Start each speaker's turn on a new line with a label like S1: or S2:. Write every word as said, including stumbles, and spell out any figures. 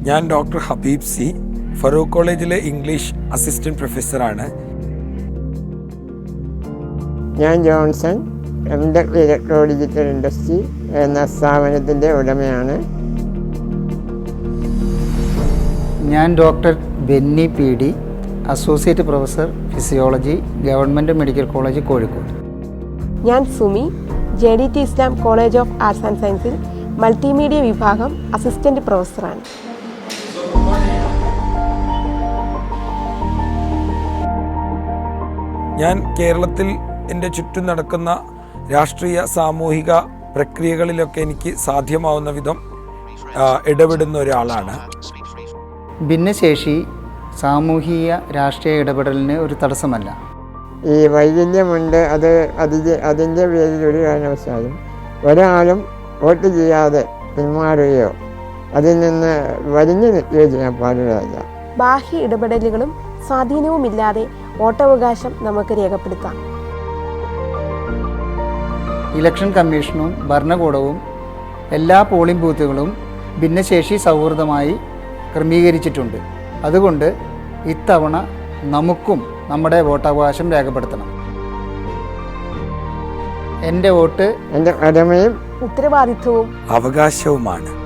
S1: ഞാൻ doctor Habib C, Farooq കോളേജിലെ English assistant പ്രൊഫസറാണ്.
S2: ഞാൻ Johnson, M tech electro digital industry എന്ന സ്ഥാപനത്തിൻ്റെ ഉടമയാണ്.
S3: ഞാൻ doctor Benny P D, associate professor physiology, government medical college Kozhikode.
S4: ഞാൻ Sumi, J D T Islam college of arts and സയൻസിൽ മൾട്ടിമീഡിയ വിഭാഗം അസിസ്റ്റന്റ് പ്രൊഫസറാണ്.
S1: ഞാൻ കേരളത്തിൽ എൻ്റെ ചുറ്റും നടക്കുന്ന രാഷ്ട്രീയ സാമൂഹിക പ്രക്രിയകളിലൊക്കെ എനിക്ക് സാധ്യമാവുന്ന വിധം ഇടപെടുന്ന ഒരാളാണ്.
S3: ഭിന്നശേഷി സാമൂഹിക രാഷ്ട്രീയ ഇടപെടലിന് ഒരു തടസ്സമല്ല.
S2: ഈ വൈകല്യമുണ്ട്, അത് അതിൻ്റെ അതിൻ്റെ പേരിൽ ഒരു കാരണവശാലും ഒരാളും വോട്ട് ചെയ്യാതെ പിന്മാറുകയോ അതിൽ നിന്ന് വലിഞ്ഞു നിൽക്കുകയോ ചെയ്യാൻ പാടുള്ളതല്ല.
S4: ബാഹ്യ ഇടപെടലുകളും സ്വാധീനവുമില്ലാതെ വോട്ടവകാശം നമുക്ക് രേഖപ്പെടുത്താം.
S3: ഇലക്ഷൻ കമ്മീഷനും ഭരണകൂടവും എല്ലാ പോളിംഗ് ബൂത്തുകളും ഭിന്നശേഷി സൗഹൃദമായി ക്രമീകരിച്ചിട്ടുണ്ട്. അതുകൊണ്ട് ഇത്തവണ നമുക്കും നമ്മുടെ വോട്ടവകാശം രേഖപ്പെടുത്തണം. എൻ്റെ വോട്ട്
S2: എൻ്റെ കടമയും
S4: ഉത്തരവാദിത്വവും
S1: അവകാശവുമാണ്.